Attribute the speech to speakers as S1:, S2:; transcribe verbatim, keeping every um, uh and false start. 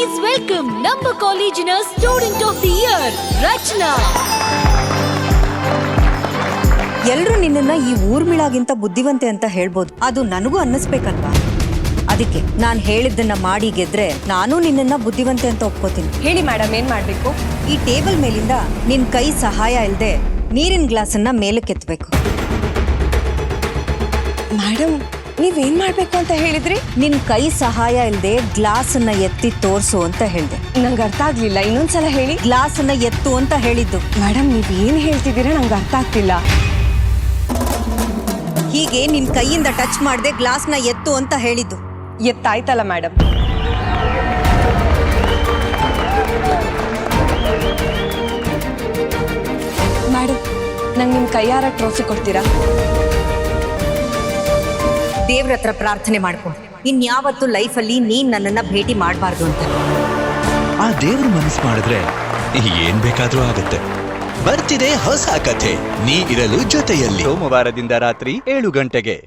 S1: Please welcome ನಮ್ಮ ಕಾಲೇಜಿನ student of the year Rachana.
S2: ಎಲ್ರು ನಿನ್ನನ್ನ ಈ ಊರ್ಮಿಳಾಗಿಂತ ಬುದ್ಧಿವಂತೆ ಅಂತ ಹೇಳ್ಬೋದು, ಅದು ನನಗೂ ಅನ್ನಿಸ್ಬೇಕಲ್ವಾ? ಅದಕ್ಕೆ ನಾನು ಹೇಳಿದ್ದನ್ನ ಮಾಡಿ ಗೆದ್ರೆ ನಾನು ನಿನ್ನನ್ನ ಬುದ್ಧಿವಂತೆ ಅಂತ ಒಪ್ಕೋತೀನಿ.
S3: ಹೇಳಿ ಮೇಡಮ್, ಏನ್ ಮಾಡ್ಬೇಕು?
S2: ಈ ಟೇಬಲ್ ಮೇಲಿಂದ ನಿನ್ ಕೈ ಸಹಾಯ ಇಲ್ಲದೆ ನೀರಿನ ಗ್ಲಾಸನ್ನ ಮೇಲಕ್ಕೆ ಎತ್ತಬೇಕು.
S3: ಮೇಡಮ್, ನೀವೇನ್ ಮಾಡ್ಬೇಕು ಅಂತ ಹೇಳಿದ್ರಿ?
S2: ನಿನ್ ಕೈ ಸಹಾಯ ಇಲ್ಲದೆ ಗ್ಲಾಸನ್ನ ಎತ್ತಿ ತೋರ್ಸು ಅಂತ ಹೇಳ್ದೆ.
S3: ನಂಗೆ ಅರ್ಥ ಆಗ್ಲಿಲ್ಲ, ಇನ್ನೊಂದ್ಸಲ ಹೇಳಿ.
S2: ಗ್ಲಾಸನ್ನ ಎತ್ತು ಅಂತ ಹೇಳಿದ್ದು.
S3: ಮೇಡಮ್, ನೀವ್ ಏನ್ ಹೇಳ್ತಿದ್ದೀರಾ ನಂಗೆ ಅರ್ಥ ಆಗ್ತಿಲ್ಲ.
S2: ಹೀಗೆ ನಿನ್ ಕೈಯಿಂದ ಟಚ್ ಮಾಡದೆ ಗ್ಲಾಸ್ನ ಎತ್ತು ಅಂತ ಹೇಳಿದ್ದು.
S3: ಎತ್ತಾಯ್ತಲ್ಲ ಮೇಡಮ್. ಮೇಡಮ್, ನಂಗೆ ನಿಮ್ ಕೈಯಾರ ಟ್ರೋಫಿ ಕೊಡ್ತೀರಾ?
S2: ದೇವ್ರ ಹತ್ರ ಪ್ರಾರ್ಥನೆ ಮಾಡ್ಕೊಂಡು ಇನ್ಯಾವತ್ತು ಲೈಫಲ್ಲಿ ನೀನ್ ನನ್ನನ್ನ ಭೇಟಿ ಮಾಡಬಾರ್ದು ಅಂತ.
S4: ಆ ದೇವ್ರ ಮನಸ್ಸು ಮಾಡಿದ್ರೆ ಏನ್ ಬೇಕಾದ್ರೂ ಆಗತ್ತೆ. ಬರ್ತಿದೆ ಹೊಸ ಕಥೆ, ನೀ ಇರಲು ಜೊತೆಯಲ್ಲಿ, ಸೋಮವಾರದಿಂದ ರಾತ್ರಿ ಏಳು ಗಂಟೆಗೆ.